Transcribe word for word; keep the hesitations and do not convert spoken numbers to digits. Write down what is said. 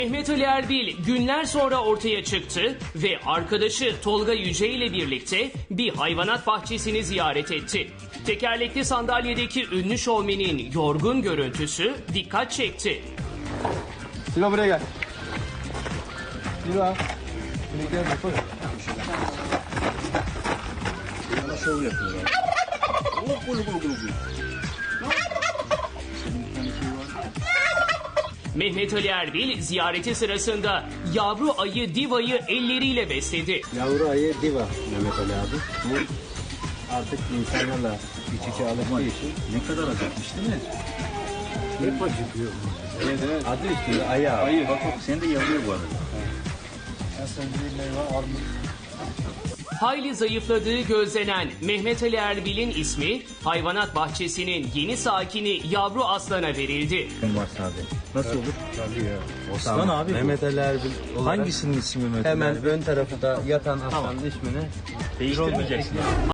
Mehmet Ali Erbil günler sonra ortaya çıktı ve arkadaşı Tolga Yüce ile birlikte bir hayvanat bahçesini ziyaret etti. Tekerlekli sandalyedeki ünlü şovmenin yorgun görüntüsü dikkat çekti. Silo buraya gel. Silo. Buraya gel bakalım. Yana şov yapıyorlar. Gulu gulu gulu gulu. Mehmet Ali Erbil ziyareti sırasında yavru ayı Diva'yı elleriyle besledi. Yavru ayı Diva Mehmet Ali abi. Bu artık insanlarla iç içe alıştığı için Ne kadar acıkmış değil mi? hep acıkıyor. Evet evet. Adı üstünde ayı abi. Ayı bak bak seni de yalıyor bu arada. En sevdiğim meyve armut. Hayli zayıfladığı gözlenen Mehmet Ali Erbil'in ismi hayvanat bahçesinin yeni sakini yavru aslana verildi. Var sadece. Nasıl olur? Tabii ya. Osman Tamam. abi bu. Mehmet Ali Erbil olarak Hangisinin ismi Mehmet Ali hemen Erbil? ön tarafta yatan aslanın ismini Değiştirmeyeceksin.